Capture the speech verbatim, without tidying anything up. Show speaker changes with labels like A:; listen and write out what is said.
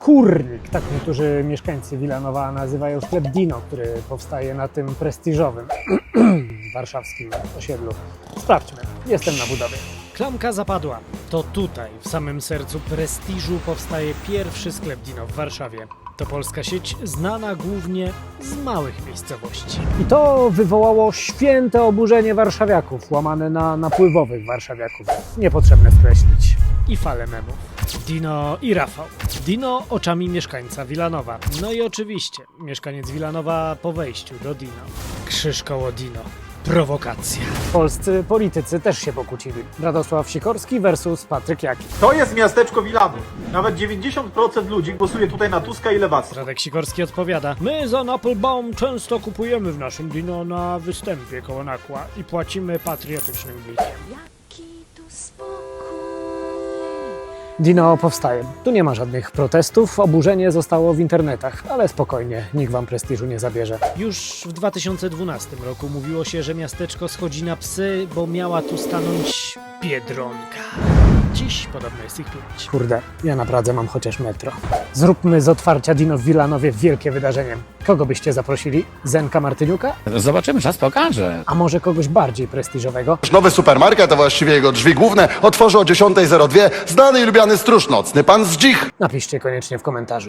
A: Kurnik, tak niektórzy mieszkańcy Wilanowa nazywają sklep Dino, który powstaje na tym prestiżowym warszawskim osiedlu. Sprawdźmy, jestem na budowie.
B: Klamka zapadła. To tutaj, w samym sercu prestiżu, powstaje pierwszy sklep Dino w Warszawie. To polska sieć znana głównie z małych miejscowości.
A: I to wywołało święte oburzenie warszawiaków, łamane na napływowych warszawiaków. Niepotrzebne skreślić.
B: I fale memów. Dino i Rafał. Dino oczami mieszkańca Wilanowa. No i oczywiście mieszkaniec Wilanowa po wejściu do Dino. Krzyż koło Dino. Prowokacja.
A: Polscy politycy też się pokłócili. Radosław Sikorski versus Patryk Jaki.
C: To jest miasteczko Wilanów. Nawet dziewięćdziesiąt procent ludzi głosuje tutaj na Tuska i Lewacka.
B: Radek Sikorski odpowiada: my za Applebaum często kupujemy w naszym Dino na występie koło Nakła i płacimy patriotycznym blikiem.
D: Jaki tu spokój.
A: Dino powstaje. Tu nie ma żadnych protestów, oburzenie zostało w internetach, ale spokojnie, nikt wam prestiżu nie zabierze.
B: Już w dwa tysiące dwunastym roku mówiło się, że miasteczko schodzi na psy, bo miała tu stanąć Biedronka. Dziś podobno jest ich pięć.
A: Kurde, ja na Pradze mam chociaż metro. Zróbmy z otwarcia Dino w Wilanowie wielkie wydarzenie. Kogo byście zaprosili? Zenka Martyniuka?
E: Zobaczymy, czas pokaże.
A: A może kogoś bardziej prestiżowego?
F: Nowy supermarket, a właściwie jego drzwi główne, otworzy o dziesiąta zero dwa znany i lubiany stróż nocny, pan Zdzich.
A: Napiszcie koniecznie w komentarzu.